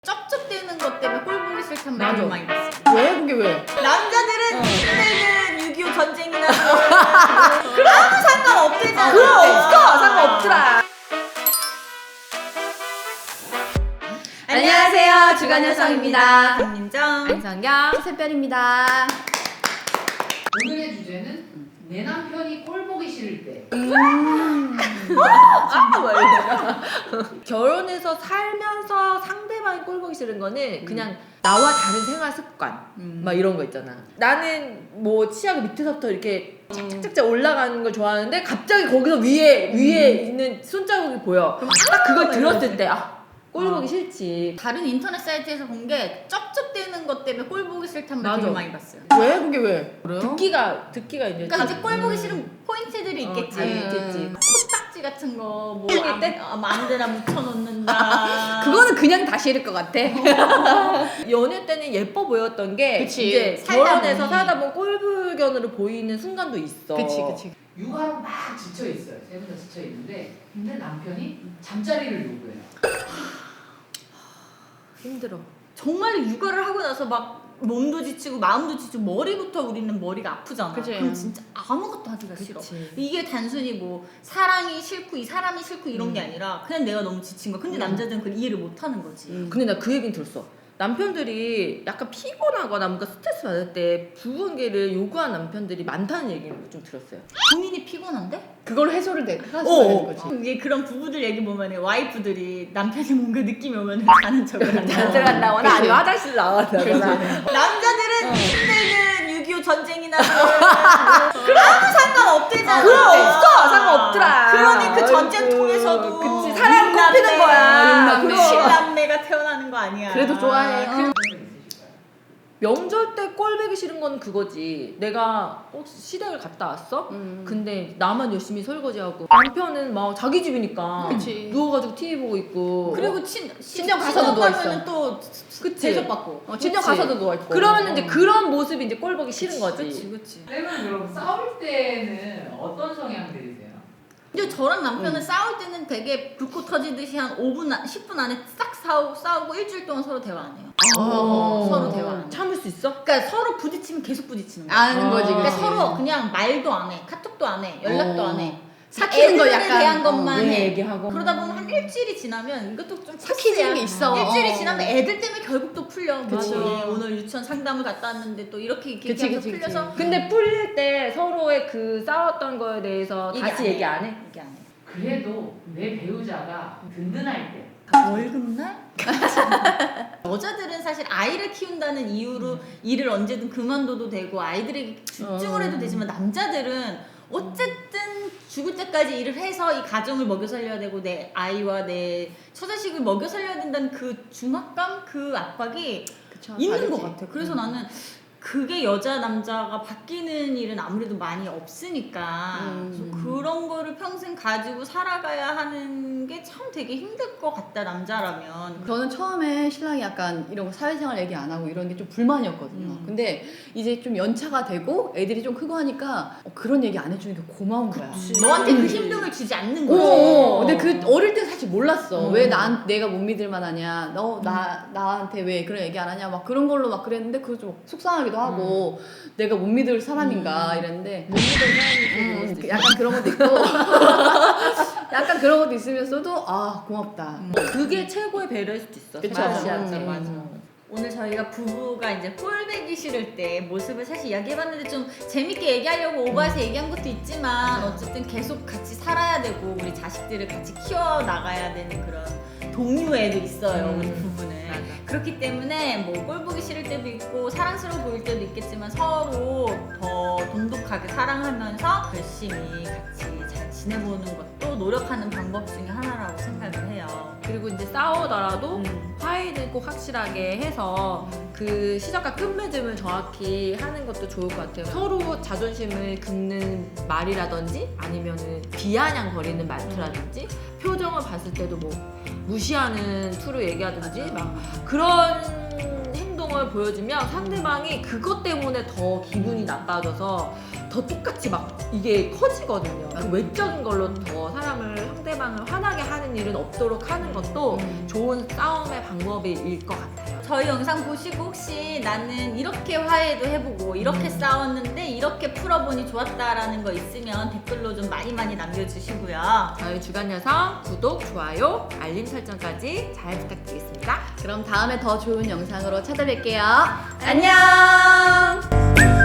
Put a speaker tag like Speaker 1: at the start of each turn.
Speaker 1: 쩝쩝대는 것 때문에 꼴 보기 싫단
Speaker 2: 맞아.
Speaker 1: 말을 많이 봤어.
Speaker 2: 왜? 그게 왜?
Speaker 1: 남자들은 침대는 6.25 전쟁이나 아무 상관없대잖아.
Speaker 2: 그럼 없어! 상관없더라. 안녕하세요. 주간 여성입니다.
Speaker 1: 강민정.
Speaker 2: 안성경. 새별입니다.
Speaker 3: 오늘의 주제는 내 남편이 꼴 보기 싫을 때.
Speaker 2: 결혼해서 살면서 상대방이 꼴 보기 싫은 거는 그냥 나와 다른 생활 습관 막 이런 거 있잖아. 나는 뭐 치아가 밑에서부터 이렇게 착착착 올라가는 걸 좋아하는데 갑자기 거기서 위에 있는 손자국이 보여. 그럼 딱 그걸 들었을 때 꼴 보기 싫지.
Speaker 1: 다른 인터넷 사이트에서 본 게 쩝쩝대는 것 때문에 꼴 보기 싫단 말 되게
Speaker 2: 맞아.
Speaker 1: 많이 봤어요.
Speaker 2: 왜? 그게 왜?
Speaker 3: 그래요?
Speaker 2: 듣기가 이제
Speaker 1: 그러니까 이제 꼴 보기 싫은 포인트들이 있겠지.
Speaker 2: 있겠지.
Speaker 1: 코딱지 같은 거, 뭐
Speaker 2: 때?
Speaker 1: 아무데나 묻혀놓는다.
Speaker 4: 그거는 그냥 다시 읽을 것 같아.
Speaker 2: 연애 때는 예뻐 보였던 게
Speaker 4: 그치.
Speaker 2: 이제
Speaker 1: 살다
Speaker 2: 결혼해서
Speaker 1: 보니.
Speaker 2: 살다 보면 꼴불견으로 보이는 순간도 있어.
Speaker 4: 그치.
Speaker 3: 육아로 막 지쳐 있어요. 세 분 다 지쳐 있는데, 근데 남편이 잠자리를 요구해요.
Speaker 2: 힘들어.
Speaker 1: 정말로 육아를 하고 나서 막 몸도 지치고 마음도 지치고 머리부터 우리는 머리가 아프잖아.
Speaker 4: 그치.
Speaker 1: 그럼 진짜 아무것도 하기가 싫어.
Speaker 2: 그치.
Speaker 1: 이게 단순히 뭐 사랑이 싫고 이 사람이 싫고 이런 게 아니라 그냥 내가 너무 지친 거야. 근데 남자들은 그걸 이해를 못 하는 거지.
Speaker 2: 근데 나 그 얘기는 들었어. 남편들이 약간 피곤하거나 뭔가 스트레스 받을 때 부부관계를 요구하는 남편들이 많다는 얘기를 좀 들었어요.
Speaker 1: 본인이 피곤한데?
Speaker 4: 그걸 해소를 되는 거지.
Speaker 1: 이게 그런 부부들 얘기 보면 와이프들이 남편이 뭔가 느낌이 오면 자는 척을
Speaker 2: 잘
Speaker 1: 한다.
Speaker 2: 들어간다거나
Speaker 4: 그치.
Speaker 2: 아니면 화장실 나간다거나.
Speaker 1: 남자들은 침대는 6.25 전쟁이나 아무 상관없대잖아.
Speaker 2: 그럼 없어! 상관없더라.
Speaker 1: 그러니 그 전쟁통에서도
Speaker 2: 그치. 사랑을 꼽히는 거야.
Speaker 1: 육남매,
Speaker 2: 그럼.
Speaker 1: 칠남매가 태어나는 거 아니야.
Speaker 4: 그래도 좋아해.
Speaker 2: 명절 때 꼴보기 싫은 건 그거지. 내가 시댁을 갔다 왔어? 근데 나만 열심히 설거지하고 남편은 막 자기 집이니까
Speaker 4: 그치.
Speaker 2: 누워가지고 TV 보고 있고.
Speaker 1: 그리고
Speaker 4: 친정 가서도 누워있어.
Speaker 1: 또
Speaker 2: 그치.
Speaker 1: 대접받고.
Speaker 4: 친정 가서도 누워있고.
Speaker 2: 그러면 이제 그런 모습이 이제 꼴보기 싫은 거지.
Speaker 1: 그치.
Speaker 3: 쌤은 그럼 싸울 때는 어떤 성향들이세요?
Speaker 1: 근데 저랑 남편은 싸울 때는 되게 불꽃 터지듯이 한 5분, 10분 안에 싹 싸우고 일주일 동안 서로 대화 안 해요. 서로 대화 안 해요.
Speaker 2: 참을 수 있어?
Speaker 1: 그러니까 서로 부딪히면 계속 부딪히는 거야.
Speaker 4: 아는 거지.
Speaker 1: 그러니까
Speaker 4: 그치.
Speaker 1: 서로 그냥 말도 안 해, 카톡도 안 해, 연락도 안 해.
Speaker 4: 삭히는 거
Speaker 1: 애들에
Speaker 4: 약간,
Speaker 1: 대한 것만
Speaker 2: 내
Speaker 1: 해.
Speaker 2: 얘기하고.
Speaker 1: 그러다 보면 한 일주일이 지나면 이것도 좀
Speaker 4: 삭히는 게 있어.
Speaker 1: 일주일이
Speaker 4: 어.
Speaker 1: 지나면 애들 때문에 결국 또 풀려.
Speaker 2: 그치.
Speaker 1: 오늘 유치원 상담을 갔다 왔는데 또 이렇게
Speaker 4: 그치,
Speaker 1: 하면서
Speaker 4: 그치,
Speaker 1: 풀려서
Speaker 2: 근데 풀릴 때 서로의 그 싸웠던 거에 대해서 다시 얘기 안 해?
Speaker 1: 얘기 안 해.
Speaker 3: 그래도 내 배우자가 든든할 때.
Speaker 1: 월급날? 여자들은 사실 아이를 키운다는 이유로 일을 언제든 그만둬도 되고 아이들에게 집중을 해도 되지만 남자들은 어쨌든 죽을 때까지 일을 해서 이 가정을 먹여 살려야 되고 내 아이와 내 처자식을 먹여 살려야 된다는 그 중압감, 그 압박이
Speaker 4: 그쵸,
Speaker 1: 있는
Speaker 4: 다르지.
Speaker 1: 것 같아. 그래서 나는 그게 여자 남자가 바뀌는 일은 아무래도 많이 없으니까 그래서 그런 거를 평생 가지고 살아가야 하는 게 참 되게 힘들 것 같다 남자라면.
Speaker 4: 저는 처음에 신랑이 약간 이런 거 사회생활 얘기 안 하고 이런 게 좀 불만이었거든요. 근데 이제 좀 연차가 되고 애들이 좀 크고 하니까 그런 얘기 안 해주는 게 고마운 거야.
Speaker 1: 너한테 그 힘듦을 주지 않는 거지.
Speaker 4: 근데 그 어릴 때 사실 몰랐어. 왜 내가 못 믿을 만하냐. 나한테 왜 그런 얘기 안 하냐. 막 그런 걸로 막 그랬는데 그거 좀 속상하기도 하고 내가 못 믿을 사람인가 이랬는데
Speaker 2: 못 믿는 사람이
Speaker 4: 약간 그런 것도 있고 약간 그런 것도 있으면서도 고맙다.
Speaker 2: 그게 최고의 배려일 수도 있어.
Speaker 4: 그쵸.
Speaker 2: 맞아.
Speaker 1: 맞아. 오늘 저희가 부부가 이제 꼴배기 싫을 때 모습을 사실 이야기해봤는데 좀 재밌게 얘기하려고 오버해서 얘기한 것도 있지만 어쨌든 계속 같이 살아야 되고 우리 자식들을 같이 키워나가야 되는 그런 동료애도 있어요. 우리 부부는.
Speaker 2: 맞아.
Speaker 1: 그렇기 때문에 뭐 꼴보기 싫을 때도 있고 사랑스러워 보일 때도 있겠지만 서로 더 돈독하게 사랑하면서 열심히 같이 잘 지내보는 것도 노력하는 방법 중에 하나라고 생각을 해요.
Speaker 2: 그리고 이제 싸우더라도 화해는 꼭 확실하게 해서 그 시작과 끝맺음을 정확히 하는 것도 좋을 것 같아요. 서로 자존심을 긁는 말이라든지 아니면은 비아냥거리는 말투라든지 표정을 봤을 때도 뭐 무시하는 투로 얘기하든지 막 그런 행동을 보여주면 상대방이 그것 때문에 더 기분이 나빠져서 더 똑같이 막 이게 커지거든요. 그 외적인 걸로 더 사람을 상대 상대방을 화나게 하는 일은 없도록 하는 것도 좋은 싸움의 방법일 것 같아요.
Speaker 1: 저희 영상 보시고 혹시 나는 이렇게 화해도 해보고 이렇게 싸웠는데 이렇게 풀어보니 좋았다라는 거 있으면 댓글로 좀 많이 남겨주시고요.
Speaker 2: 저희 주간여성 구독, 좋아요, 알림 설정까지 잘 부탁드리겠습니다.
Speaker 4: 그럼 다음에 더 좋은 영상으로 찾아뵐게요. 안녕.